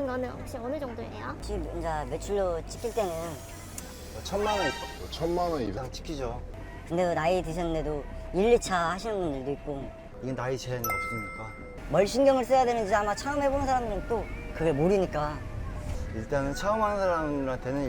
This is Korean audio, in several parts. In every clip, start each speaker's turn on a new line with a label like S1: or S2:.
S1: 같은 거는 혹시 어느 정도예요?
S2: 지금 이제 매출로 찍힐 때는
S3: 1,000만 원 이상 찍히죠.
S2: 근데 그 나이 드셨는데도 1, 2차 하시는 분들도 있고
S3: 이게 나이 제한이 없으니까.
S2: 뭘 신경을 써야 되는지 아마 처음 해보는 사람들은 또 그걸 모르니까.
S3: 일단은 처음 하는 사람들한테는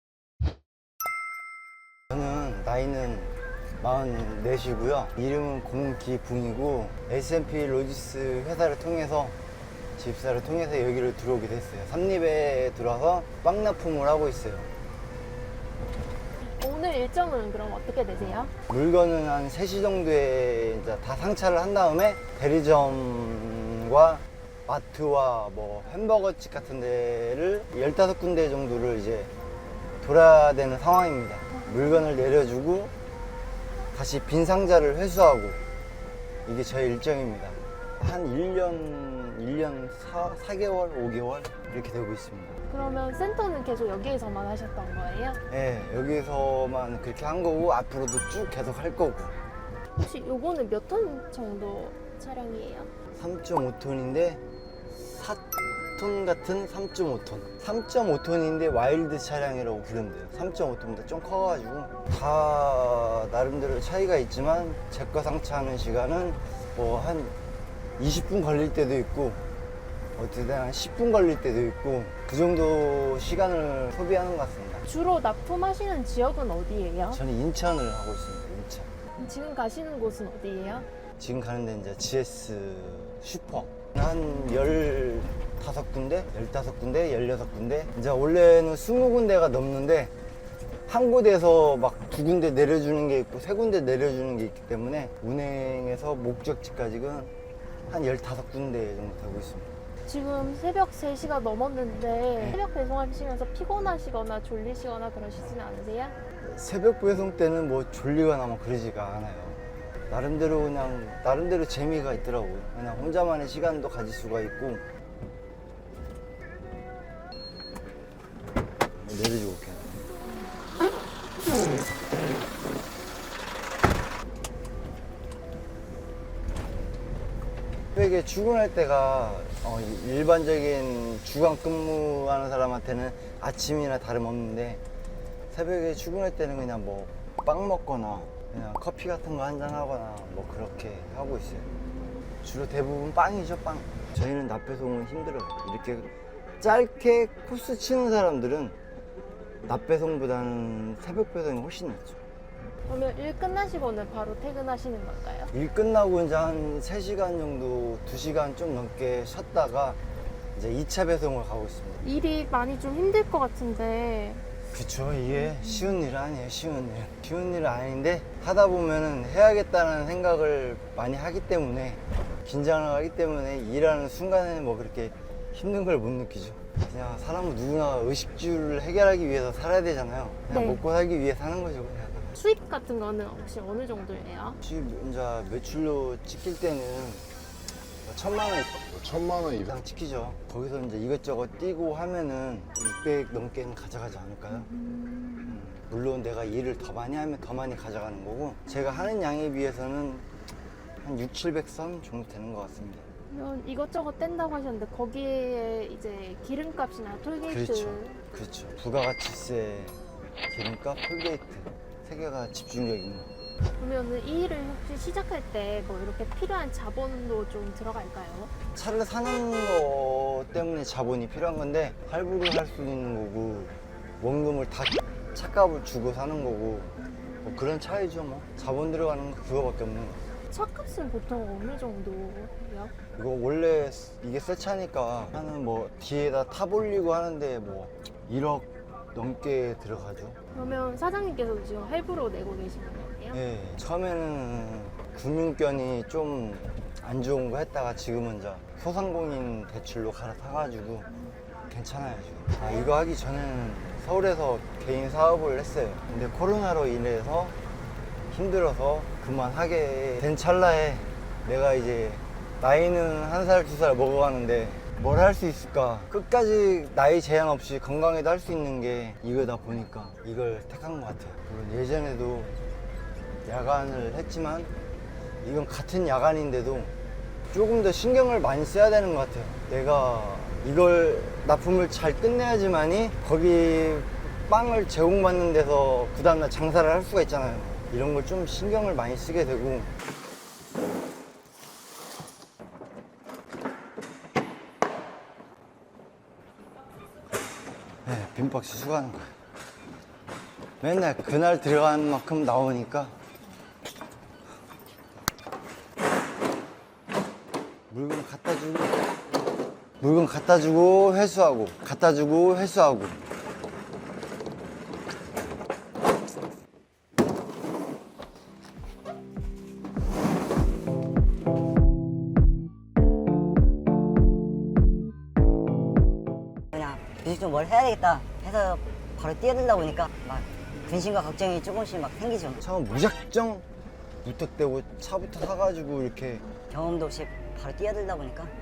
S3: 저는 나이는 44이고요. 이름은 공기붕이고 S&P 로지스 회사를 통해서 집사를 통해서 여기를 들어오게 됐어요. 삼립에 들어와서 빵 납품을 하고 있어요.
S1: 오늘 일정은 그럼 어떻게 되세요?
S3: 물건은 한 3시 정도에 이제 다 상차를 한 다음에 대리점과 마트와 뭐 햄버거집 같은 데를 15군데 정도를 이제 돌아야 되는 상황입니다. 물건을 내려주고 다시 빈 상자를 회수하고 이게 저의 일정입니다. 한 1년 4개월, 5개월 이렇게 되고 있습니다.
S1: 그러면 센터는 계속 여기에서만 하셨던 거예요?
S3: 네, 여기서만 그렇게 한 거고 앞으로도 쭉 계속 할 거고.
S1: 혹시 요거는 몇 톤 정도 차량이에요?
S3: 3.5톤인데 4톤 같은 3.5톤 3.5톤인데 와일드 차량이라고 부르면 돼요. 3.5톤보다 좀 커가지고 다 나름대로 차이가 있지만 제 거 상차하는 시간은 뭐 한 20분 걸릴 때도 있고 어쨌든 한 10분 걸릴 때도 있고 그 정도 시간을 소비하는 것 같습니다.
S1: 주로 납품하시는 지역은 어디예요?
S3: 저는 인천을 하고 있습니다. 인천.
S1: 지금 가시는 곳은 어디예요?
S3: 지금 가는 데 이제 GS 슈퍼 한 15군데, 15군데, 16군데 이제 원래는 20군데가 넘는데 한 곳에서 막 2군데 내려주는 게 있고 3군데 내려주는 게 있기 때문에 운행에서 목적지까지는 한 15군데 정도 되고 있습니다.
S1: 지금 새벽 3시가 넘었는데 새벽 배송하시면서 피곤하시거나 졸리시거나 그러시진 않으세요?
S3: 새벽 배송 때는 뭐 졸리거나 뭐 그러지가 않아요. 나름대로 그냥 나름대로 재미가 있더라고요. 그냥 혼자만의 시간도 가질 수가 있고. 내려주고 올게요. 새벽에 출근할 때가 일반적인 주간 근무하는 사람한테는 아침이나 다름없는데 새벽에 출근할 때는 그냥 뭐 빵 먹거나 그냥 커피 같은 거 한잔 하거나 뭐 그렇게 하고 있어요. 주로 대부분 빵이죠, 빵. 저희는 낮 배송은 힘들어요. 이렇게 짧게 코스 치는 사람들은 낮 배송보다는 새벽 배송이 훨씬 낫죠.
S1: 그러면 일 끝나시고는 바로 퇴근하시는 걸까요?
S3: 일 끝나고 이제 한 3시간 정도, 2시간 좀 넘게 쉬었다가 이제 2차 배송을 가고 있습니다.
S1: 일이 많이 좀 힘들 것 같은데
S3: 그쵸, 이게 쉬운 일 아니에요. 쉬운 일은 아닌데 하다 보면은 해야겠다는 생각을 많이 하기 때문에 긴장을 하기 때문에 일하는 순간에는 뭐 그렇게 힘든 걸 못 느끼죠. 그냥 사람은 누구나 의식주를 해결하기 위해서 살아야 되잖아요. 그냥
S1: 네.
S3: 먹고 살기 위해 사는 거죠, 그냥.
S1: 수입 같은 거는 혹시 어느 정도예요?
S3: 수입 이제 매출로 찍힐 때는 1,000만 원 이상 찍히죠. 거기서 이제 이것저것 뛰고 하면은 600 넘게는 가져가지 않을까요? 물론 내가 일을 더 많이 하면 더 많이 가져가는 거고 제가 하는 양에 비해서는 한 6, 700선 정도 되는 것 같습니다.
S1: 그러면 이것저것 뗀다고 하셨는데 거기에 이제 기름값이나 톨게이트
S3: 그렇죠. 부가가치세, 기름값, 톨게이트 세 개가 집중적 임무.
S1: 그러면은 이 일을 혹시 시작할 때 뭐 이렇게 필요한 자본도 좀 들어갈까요?
S3: 차를 사는 거 때문에 자본이 필요한 건데 할부를 할 수 있는 거고 원금을 다 차값을 주고 사는 거고 뭐 그런 차이죠. 뭐 자본 들어가는 거 그거밖에 없는 거.
S1: 차값은 보통 어느 정도예요?
S3: 이거 원래 이게 새 차니까 하는 뭐 뒤에다 탑 올리고 하는데 뭐 1억 넘게 들어가죠.
S1: 그러면 사장님께서도 지금 할부로 내고 계시는 거예요?
S3: 예, 처음에는 금융권이 좀 안 좋은 거 했다가 지금은 이제 소상공인 대출로 갈아타가지고 괜찮아요 지금. 이거 하기 전에는 서울에서 개인 사업을 했어요. 근데 코로나로 인해서 힘들어서 그만하게 된 찰나에 내가 이제 나이는 1살, 2살 먹어가는데 뭘 할 수 있을까? 끝까지 나이 제한 없이 건강에도 할 수 있는 게 이거다 보니까 이걸 택한 것 같아요. 물론 예전에도 야간을 했지만 이건 같은 야간인데도 조금 더 신경을 많이 써야 되는 것 같아요. 내가 이걸 납품을 잘 끝내야지만이 거기 빵을 제공받는 데서 그 다음날 장사를 할 수가 있잖아요. 이런 걸 좀 신경을 많이 쓰게 되고. 네, 빈박스 수거하는 거예요. 맨날 그날 들어간 만큼 나오니까 물건 갖다 주고 회수하고 갖다 주고 회수하고.
S2: 그냥 무조건 뭘 해야 되겠다 해서 바로 뛰어들다 보니까 막 근심과 걱정이 조금씩 막 생기죠.
S3: 처음 무작정 무턱대고 차부터 사가지고 이렇게
S2: 경험도 없이 바로 뛰어들다 보니까